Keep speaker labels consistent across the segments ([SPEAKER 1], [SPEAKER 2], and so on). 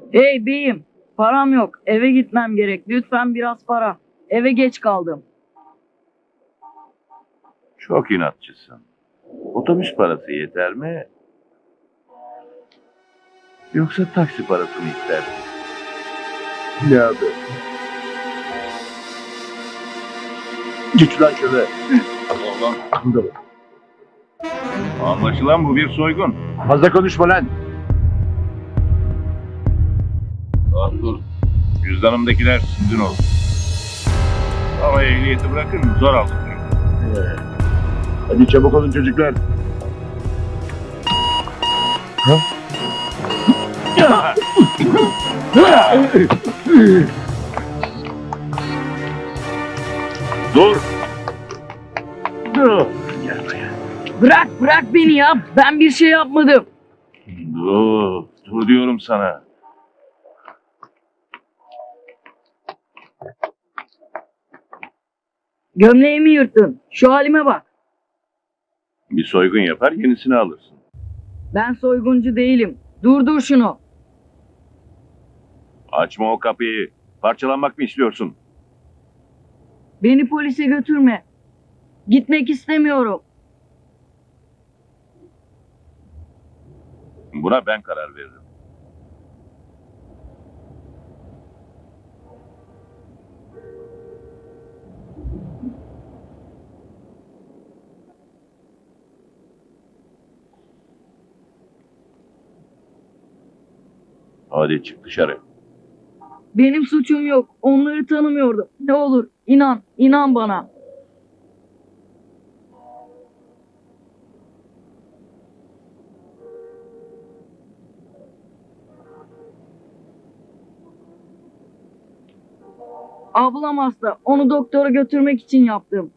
[SPEAKER 1] Hey beyim, param yok. Eve gitmem gerek. Lütfen biraz para. Eve geç kaldım.
[SPEAKER 2] Çok inatçısın. Otobüs parası yeter mi? Yoksa taksi parası mı istersin?
[SPEAKER 3] Ne abi? Geç lan şöyle.
[SPEAKER 2] Allah.
[SPEAKER 3] Burada bak.
[SPEAKER 2] Anlaşılan bu bir soygun.
[SPEAKER 3] Fazla konuşma lan.
[SPEAKER 2] Dur. Cüzdanımdakiler sizin olsun. Ama ehliyeti bırakın zor aldım.
[SPEAKER 3] Hadi çabuk olun çocuklar.
[SPEAKER 2] Dur. Dur. Gel buraya.
[SPEAKER 1] Bırak beni ya. Ben bir şey yapmadım.
[SPEAKER 2] Dur. Dur diyorum sana.
[SPEAKER 1] Gömleğimi yırttın. Şu halime bak.
[SPEAKER 2] Bir soygun yapar yenisini alırsın.
[SPEAKER 1] Ben soyguncu değilim. Durdur şunu.
[SPEAKER 2] Açma o kapıyı. Parçalanmak mı istiyorsun?
[SPEAKER 1] Beni polise götürme. Gitmek istemiyorum.
[SPEAKER 2] Buna ben karar veririm. Hadi çık dışarı.
[SPEAKER 1] Benim suçum yok. Onları tanımıyordum. Ne olur inan bana. Ablam hasta. Onu doktora götürmek için yaptım.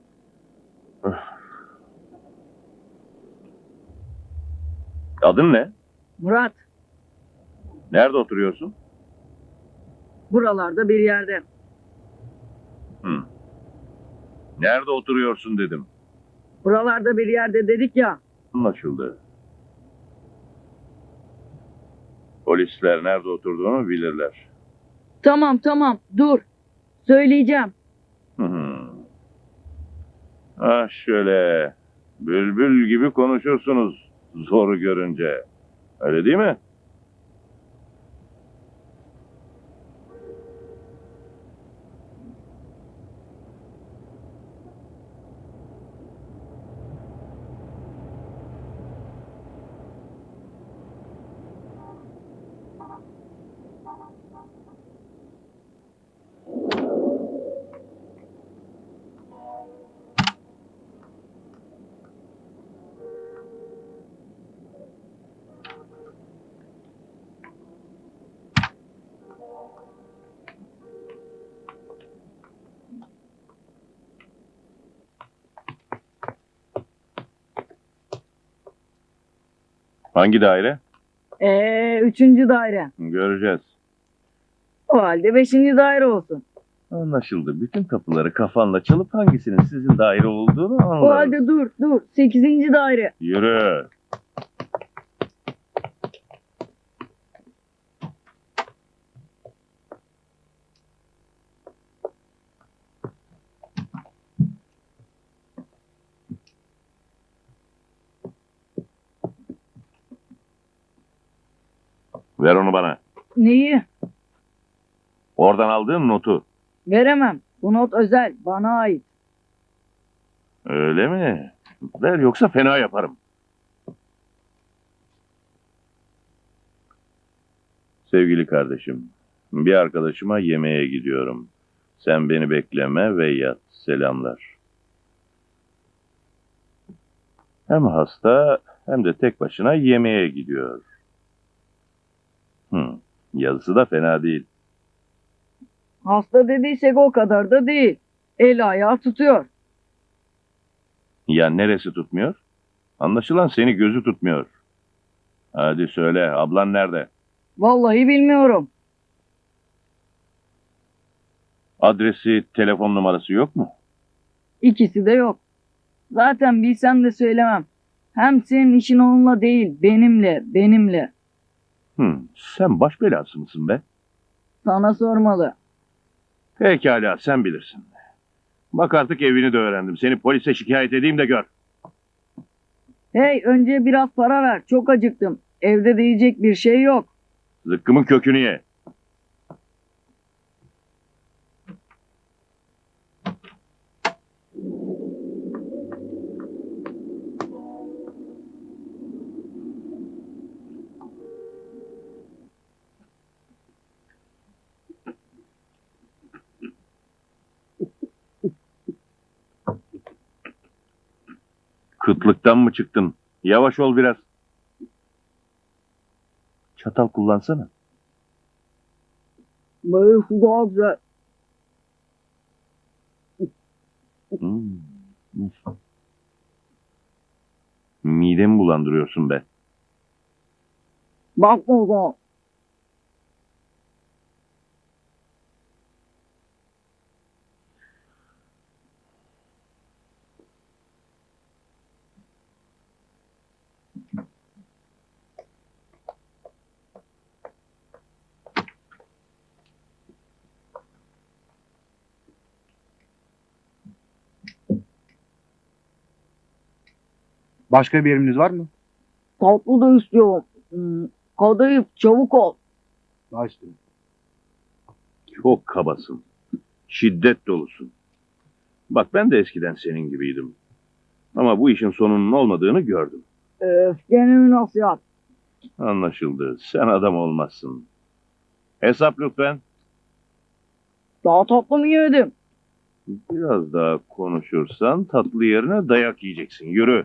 [SPEAKER 2] Adın ne?
[SPEAKER 1] Murat,
[SPEAKER 2] Nerede oturuyorsun?
[SPEAKER 1] buralarda bir yerde.
[SPEAKER 2] Hı. Nerede oturuyorsun dedim.
[SPEAKER 1] Buralarda bir yerde dedik ya.
[SPEAKER 2] Anlaşıldı. Polisler nerede oturduğunu bilirler.
[SPEAKER 1] Tamam, dur. Söyleyeceğim.
[SPEAKER 2] Hı hı. Ah şöyle. Bülbül gibi konuşursunuz zoru görünce. Öyle değil mi? Hangi daire?
[SPEAKER 1] Üçüncü daire.
[SPEAKER 2] Göreceğiz.
[SPEAKER 1] O halde beşinci daire olsun.
[SPEAKER 2] Anlaşıldı. Bütün kapıları kafanla çalıp hangisinin sizin daire olduğunu
[SPEAKER 1] O
[SPEAKER 2] anlarız.
[SPEAKER 1] halde dur. Sekizinci daire.
[SPEAKER 2] Yürü. Ver onu bana.
[SPEAKER 1] Neyi?
[SPEAKER 2] Oradan aldığın notu.
[SPEAKER 1] Veremem. Bu not özel. Bana ait.
[SPEAKER 2] Öyle mi? Ver yoksa fena yaparım. Sevgili kardeşim, bir arkadaşıma yemeğe gidiyorum. Sen beni bekleme ve yat. Selamlar. Hem hasta hem de tek başına yemeğe gidiyor. Yazısı da fena değil.
[SPEAKER 1] Hasta dediysek o kadar da değil. El ayağı tutuyor.
[SPEAKER 2] Ya neresi tutmuyor? Anlaşılan seni gözü tutmuyor. Hadi söyle, ablan nerede?
[SPEAKER 1] Vallahi bilmiyorum.
[SPEAKER 2] Adresi, telefon numarası yok mu?
[SPEAKER 1] İkisi de yok. Zaten bilsem de söylemem. Hem senin işin onunla değil, benimle.
[SPEAKER 2] Sen baş belası mısın be?
[SPEAKER 1] Sana sormalı.
[SPEAKER 2] Pekala, sen bilirsin. Bak artık evini de öğrendim. Seni polise şikayet edeyim de gör.
[SPEAKER 1] Hey, önce biraz para ver. Çok acıktım. Evde de yiyecek bir şey yok.
[SPEAKER 2] Zıkkımın kökünü ye. Kıtlıktan mı çıktın? Yavaş ol biraz. Çatal kullansana.
[SPEAKER 1] Böyle su daha güzel.
[SPEAKER 2] Hmm. Midemi bulandırıyorsun be.
[SPEAKER 1] Bakma o zaman.
[SPEAKER 4] Başka bir emriniz var mı?
[SPEAKER 1] Tatlı da istiyorum. Kadayıf, çabuk ol.
[SPEAKER 4] Başlayın.
[SPEAKER 2] Çok kabasın. Şiddet dolusun. Bak ben de eskiden senin gibiydim. Ama bu işin sonunun olmadığını gördüm.
[SPEAKER 1] Gene mi nasihat?
[SPEAKER 2] Anlaşıldı. Sen adam olmazsın. Hesap lütfen.
[SPEAKER 1] Daha tatlı mı yedim?
[SPEAKER 2] Biraz daha konuşursan tatlı yerine dayak yiyeceksin. Yürü.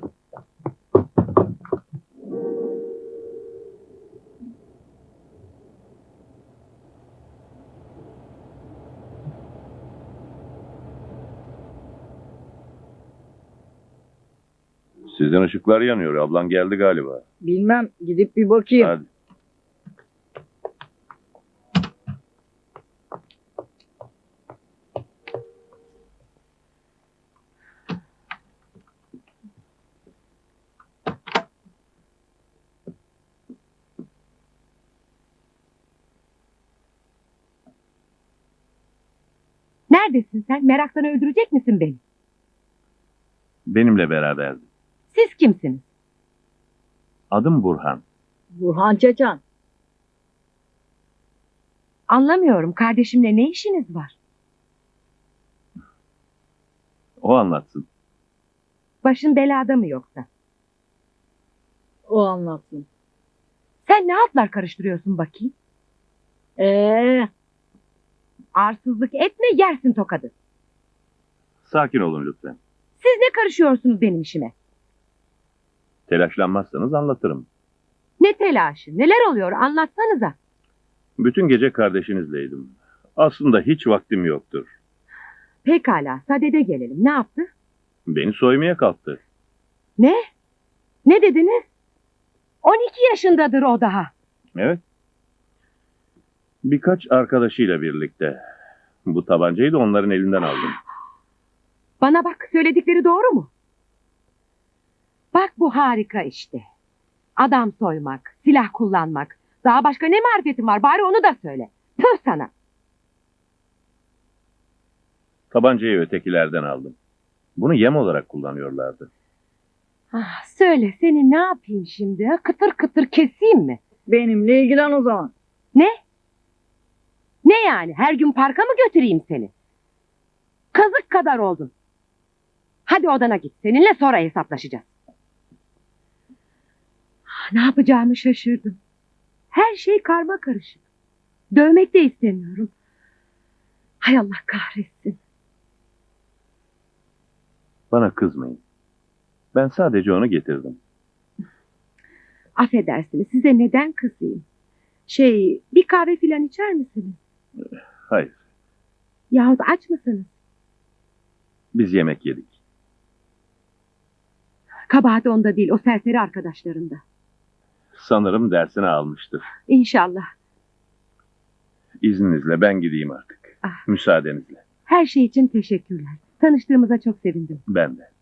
[SPEAKER 2] Sizin ışıklar yanıyor. Ablan geldi galiba.
[SPEAKER 1] Bilmem. Gidip bir bakayım.
[SPEAKER 2] Hadi.
[SPEAKER 5] Neredesin sen? Meraktan öldürecek misin beni?
[SPEAKER 2] Benimle beraberdi.
[SPEAKER 5] Siz kimsiniz?
[SPEAKER 2] Adım Burhan.
[SPEAKER 1] Burhan Çeçen.
[SPEAKER 5] Anlamıyorum. Kardeşimle ne işiniz var?
[SPEAKER 2] O anlatsın.
[SPEAKER 5] Başın belada mı yoksa?
[SPEAKER 1] O anlatsın.
[SPEAKER 5] Sen ne altlar karıştırıyorsun bakayım? Arsızlık etme, yersin tokadı.
[SPEAKER 2] Sakin olun lütfen.
[SPEAKER 5] Siz ne karışıyorsunuz benim işime?
[SPEAKER 2] Telaşlanmazsanız anlatırım.
[SPEAKER 5] Ne telaşı? Neler oluyor? Anlatsanıza.
[SPEAKER 2] Bütün gece kardeşinizleydim. Aslında hiç vaktim yoktur.
[SPEAKER 5] Pekala, sadede gelelim. Ne yaptı?
[SPEAKER 2] Beni soymaya kalktı.
[SPEAKER 5] Ne? Ne dediniz? 12 yaşındadır o daha.
[SPEAKER 2] Evet. Birkaç arkadaşıyla birlikte. Bu tabancayı da onların elinden aldım.
[SPEAKER 5] Bana bak, söyledikleri doğru mu? Bak bu harika işte. Adam soymak, silah kullanmak. Daha başka ne marifetin var? Bari onu da söyle. Tüh sana.
[SPEAKER 2] Tabancayı ötekilerden aldım. Bunu yem olarak kullanıyorlardı.
[SPEAKER 5] Ah, söyle, seni ne yapayım şimdi? Ha? Kıtır kıtır keseyim mi?
[SPEAKER 1] Benimle ilgilen o zaman.
[SPEAKER 5] Ne? Ne yani? Her gün parka mı götüreyim seni? Kazık kadar oldun. Hadi odana git. Seninle sonra hesaplaşacağız. Ne yapacağımı şaşırdım. Her şey karma karışık. Dövmek de istemiyorum. Hay Allah kahretsin.
[SPEAKER 2] Bana kızmayın. Ben sadece onu getirdim.
[SPEAKER 5] Affedersiniz, size neden kızayım? Bir kahve filan içer misiniz?
[SPEAKER 2] Hayır,
[SPEAKER 5] Yahut aç mısınız?
[SPEAKER 2] biz yemek yedik.
[SPEAKER 5] Kabahat onda değil, o serseri arkadaşlarında.
[SPEAKER 2] Sanırım dersini almıştır.
[SPEAKER 5] İnşallah.
[SPEAKER 2] İzninizle ben gideyim artık.
[SPEAKER 5] Ah.
[SPEAKER 2] Müsaadenizle.
[SPEAKER 5] Her şey için teşekkürler. Tanıştığımıza çok sevindim.
[SPEAKER 2] Ben de.